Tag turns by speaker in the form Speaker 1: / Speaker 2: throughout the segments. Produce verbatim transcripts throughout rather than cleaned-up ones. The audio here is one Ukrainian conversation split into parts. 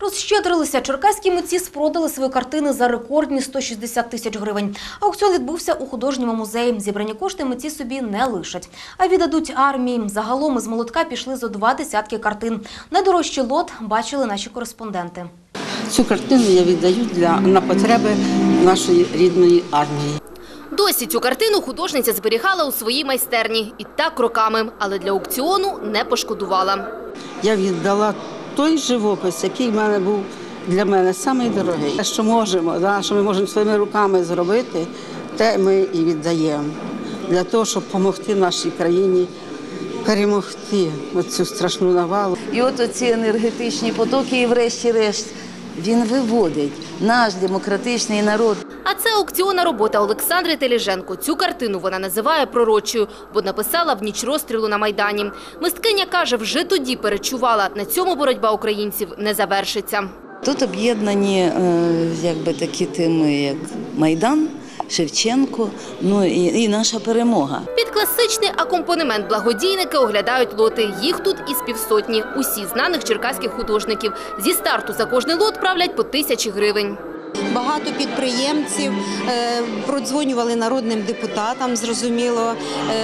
Speaker 1: Розщедрилися. Черкаські митці спродали свої картини за рекордні сто шістдесят тисяч гривень. Аукціон відбувся у художньому музеї. Зібрані кошти митці собі не лишать, а віддадуть армії. Загалом із молотка пішли зо два десятки картин. Найдорожчий лот бачили наші кореспонденти.
Speaker 2: Цю картину я віддаю для, на потреби нашої рідної армії.
Speaker 3: Досі цю картину художниця зберігала у своїй майстерні. І так роками, але для аукціону не пошкодувала.
Speaker 2: Я віддала той живопис, який в мене був для мене самий дорогий. Те, що можемо, да, що ми можемо своїми руками зробити, те ми і віддаємо. Для того, щоб допомогти нашій країні перемогти цю страшну навалу.
Speaker 4: І от оці енергетичні потоки, і врешті-решт, він виводить наш демократичний народ.
Speaker 3: А це аукціонна робота Олександри Теліженко. Цю картину вона називає пророчою, бо написала в ніч розстрілу на Майдані. Мисткиня каже, вже тоді перечувала, на цьому боротьба українців не завершиться.
Speaker 4: Тут об'єднані якби такі теми, як Майдан, Шевченко, ну і, і наша перемога.
Speaker 3: Під класичний акомпанемент благодійники оглядають лоти. Їх тут із півсотні. Усі знаних черкаських художників. Зі старту за кожний лот правлять по тисячі гривень.
Speaker 5: Багато підприємців е, продзвонювали народним депутатам, зрозуміло,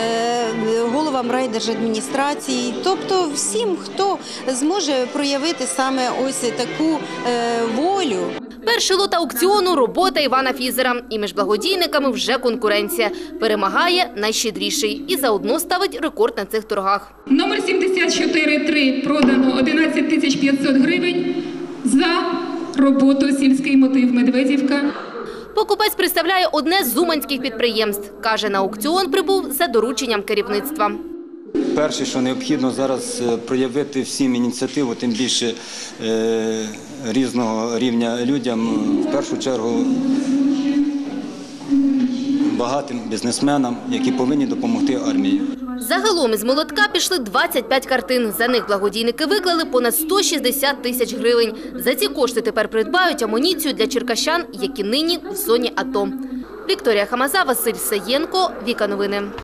Speaker 5: е, головам райдержадміністрації, тобто всім, хто зможе проявити саме ось таку е, волю.
Speaker 3: Перший лот аукціону – робота Івана Фізера. І між благодійниками вже конкуренція. Перемагає найщедріший і заодно ставить рекорд на цих торгах.
Speaker 6: Номер сімдесят чотири три продано одинадцять тисяч п'ятсот гривень за роботу «Сільський мотив Медведівка».
Speaker 3: Покупець представляє одне з уманських підприємств. Каже, на аукціон прибув за дорученням керівництва.
Speaker 7: Перше, що необхідно зараз проявити всім ініціативу, тим більше е, різного рівня людям, в першу чергу багатим бізнесменам, які повинні допомогти армії.
Speaker 3: Загалом із молотка пішли двадцять п'ять картин. За них благодійники виклали понад сто шістдесят тисяч гривень. За ці кошти тепер придбають амуніцію для черкащан, які нині в зоні АТО. Вікторія Хамаза, Василь Саєнко, Віка Новини.